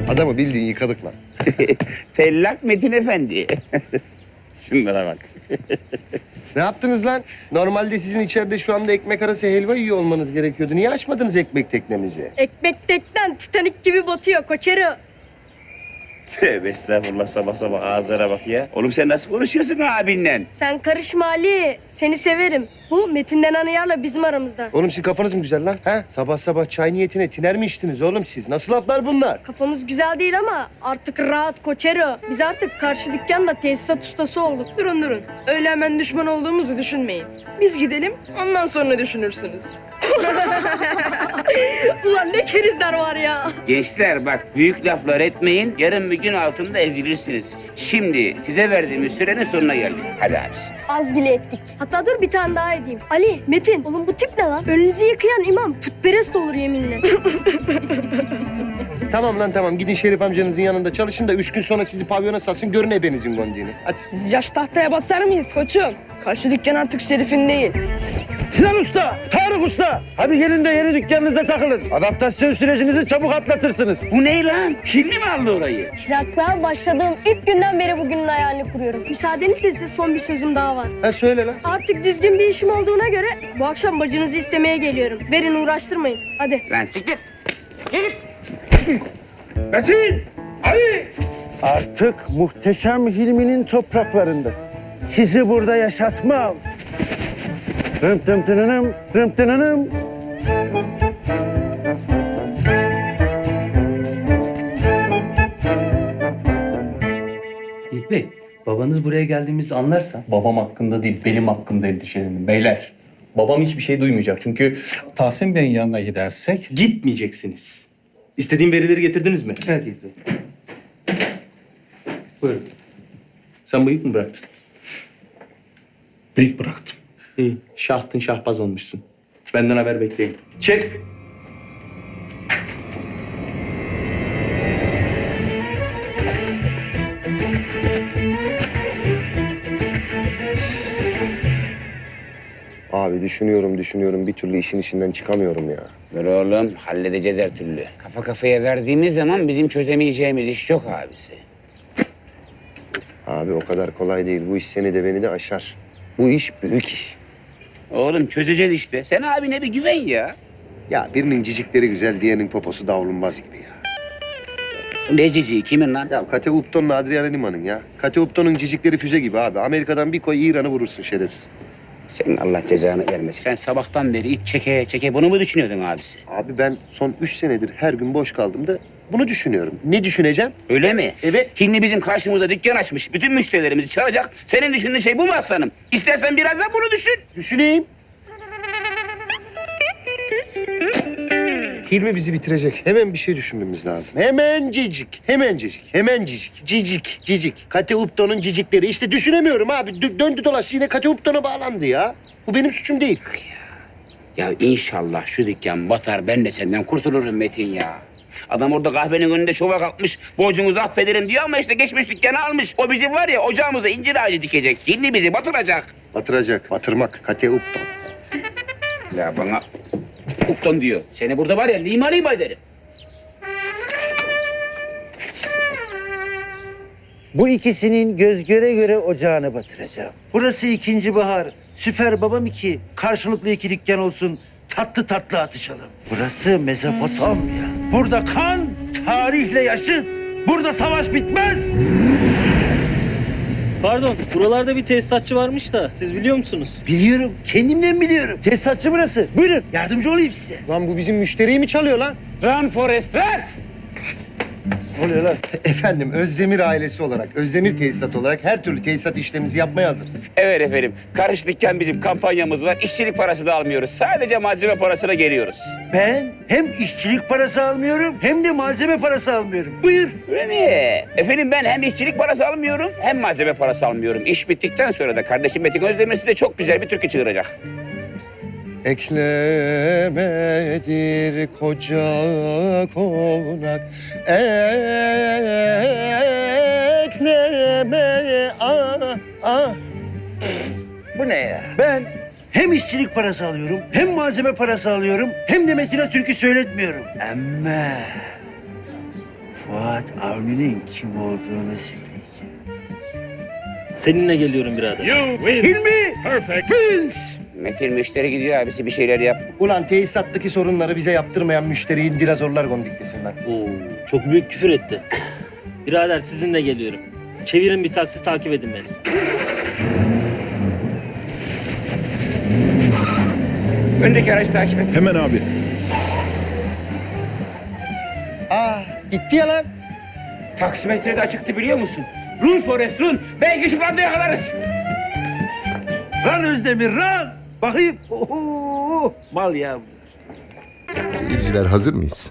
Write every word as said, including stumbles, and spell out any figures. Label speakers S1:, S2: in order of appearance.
S1: Adamı bildiğin yıkadık lan.
S2: Fellak Metin Efendi. Şunlara bak.
S1: Ne yaptınız lan? Normalde sizin içeride şu anda ekmek arası helva yiyor olmanız gerekiyordu. Niye açmadınız ekmek teknemizi?
S3: Ekmek teknen Titanik gibi batıyor koçero.
S2: Tövbe estağfurullah, sabah sabah ağızlara bak ya. Oğlum sen nasıl konuşuyorsun abinle?
S3: Sen karışma Ali. Seni severim. Bu Metin denen ayarla bizim aramızda.
S1: Oğlum sizin kafanız mı güzel lan? Ha? Sabah sabah çay niyetine tiner mi içtiniz oğlum siz? Nasıl laflar bunlar?
S3: Kafamız güzel değil ama artık rahat koçero. Biz artık karşı dükkanda tesisat ustası olduk.
S4: Durun durun. Öyle hemen düşman olduğumuzu düşünmeyin. Biz gidelim, ondan sonra düşünürsünüz.
S3: Ulan ne kerizler var ya.
S2: Gençler bak, büyük laflar etmeyin. Yarın bir gün altında ezilirsiniz. Şimdi size verdiğimiz sürenin sonuna geldik. Hadi abisi.
S3: Az bile ettik. Hatta dur bir tane daha edeyim. Ali, Metin, oğlum bu tip ne lan? Önünüzü yıkayan imam putperest olur yeminle.
S1: Tamam lan tamam. Gidin Şerif amcanızın yanında çalışın da üç gün sonra sizi pavyona satsın. Görün ebenizin gondiğini. Hadi.
S4: Biz yaş tahtaya basar mıyız koçum? Karşı dükkan artık Şerif'in değil.
S5: Sinan Usta, Tarık Usta. Hadi gelin de yeni dükkanınızda takılın. Adaptasyon sürecinizi çabuk atlatırsınız.
S2: Bu ne lan? Hilmi mi aldı orayı?
S3: Çıraklığa başladığım ilk günden beri bugünün hayalini kuruyorum. Müsaadenizle size son bir sözüm daha var.
S1: Ha söyle lan.
S3: Artık düzgün bir işim olduğuna göre bu akşam bacınızı istemeye geliyorum. Verin uğraştırmayın. Hadi.
S2: Lan siktir.
S5: Metin! Ali! Artık muhteşem Hilmi'nin topraklarındasın. Sizi burada yaşatmam. Rım tım tınınım, rım tınınım.
S6: Yiğit Bey, babanız buraya geldiğimizi anlarsa...
S7: Babam hakkında değil, benim hakkımda endişelenin beyler. Babam hiçbir şey duymayacak çünkü
S8: Tahsin Bey'in yanına gidersek
S7: gitmeyeceksiniz. İstediğim verileri getirdiniz mi?
S6: Evet Yiğit Bey.
S7: Buyurun. Sen bıyık mı bıraktın?
S8: bıyık bıraktım.
S7: İyi, şahtın şahbaz olmuşsun. Benden haber bekleyin. Çek!
S1: Abi düşünüyorum düşünüyorum. Bir türlü işin içinden çıkamıyorum ya.
S2: Dur oğlum, halledeceğiz her türlü. Kafa kafaya verdiğimiz zaman bizim çözemeyeceğimiz iş yok abisi.
S1: Abi o kadar kolay değil. Bu iş seni de beni de aşar. Bu iş büyük iş.
S2: Oğlum çözeceğiz işte. Sen abine bir güven ya.
S1: Ya birinin cicikleri güzel, diğerinin poposu davlumbaz gibi ya.
S2: Ne cici, kimin lan?
S1: Ya Kate Upton'la Adriana Lima'nın ya. Kate Upton'un cicikleri füze gibi abi. Amerika'dan bir koy İran'ı vurursun şerefsiz.
S2: Senin Allah cezanı vermesin. Sen sabahtan beri iç çeke çeke bunu mu düşünüyordun abisi?
S1: Abi ben son üç senedir her gün boş kaldım da bunu düşünüyorum. Ne düşüneceğim?
S2: Öyle mi?
S1: Evet.
S2: Hilmi bizim karşımıza dükkan açmış. Bütün müşterilerimizi çalacak. Senin düşündüğün şey bu mu aslanım? İstersen biraz da bunu düşün.
S1: Düşüneyim. Hilmi bizi bitirecek. Hemen bir şey düşünmemiz lazım. Hemen cicik, hemen cicik, hemen cicik, cicik, cicik. Kate Upton'un cicikleri. İşte düşünemiyorum abi. Dö- döndü dolaştı yine Kate Upton'a bağlandı ya. Bu benim suçum değil.
S2: Ya inşallah şu dükkan batar. Ben de senden kurtulurum Metin ya. Adam orada kahvenin önünde şova kalkmış. Borcunuzu affederim diyor ama işte geçmiş dükkanı almış. O bizim var ya ocağımıza incir ağacı dikecek. Hilmi bizi batıracak.
S1: Batıracak, batırmak. Kate Upton.
S2: Ya bana Upton diyor. Seni burada var ya lima lima ederim.
S5: Bu ikisinin göz göre göre ocağını batıracağım. Burası ikinci bahar. Süper babam iki. Karşılıklı iki dükkan olsun. Tatlı tatlı atışalım. Burası Mezopotamya. Burada kan tarihle yaşıt. Burada savaş bitmez.
S6: Pardon, buralarda bir tesisatçı varmış da siz biliyor musunuz?
S5: Biliyorum. Kendimden biliyorum. Tesisatçı burası. Buyurun. Yardımcı olayım size.
S1: Lan bu bizim müşteriyi mi çalıyor lan?
S2: Run Forest run!
S1: Ne oluyor lan? Efendim Özdemir ailesi olarak, Özdemir tesisat olarak her türlü tesisat işlemimizi yapmaya hazırız.
S2: Evet efendim. Karış dükkan bizim kampanyamız var. İşçilik parası da almıyoruz. Sadece malzeme parasına geliyoruz.
S5: Ben hem işçilik parası almıyorum hem de malzeme parası almıyorum. Buyur.
S2: Öyle mi? Efendim ben hem işçilik parası almıyorum hem malzeme parası almıyorum. İş bittikten sonra da kardeşim Metin Özdemir size çok güzel bir türkü çığıracak.
S1: Eklemedir koca konak, ekleme ah ah.
S5: Bu ne ya? Ben hem işçilik parası alıyorum, hem malzeme parası alıyorum, hem de Metin'e türkü söyletmiyorum. Ama Fuat Avni'nin kim olduğunu söyleyeceğim.
S6: Seninle geliyorum birader.
S5: Hilmi! Vince!
S2: Metin müşteri gidiyor abisi bir şeyler yap.
S1: Ulan tesisattaki sorunları bize yaptırmayan müşteriyi dinozorlar gondiklesin lan.
S6: Oo, çok büyük küfür etti. Birader sizinle geliyorum. Çevirin bir taksi takip edin beni.
S2: Öndeki aracı takip et.
S9: Hemen abi.
S1: Aa gitti ya lan.
S2: Taksimetre de açıktı biliyor musun? Run Forest run. Belki şu anda yakalarız.
S5: Ran Özdemir ran! Bakayım. Oho, mal ya bunlar.
S10: Seyirciler hazır mıyız?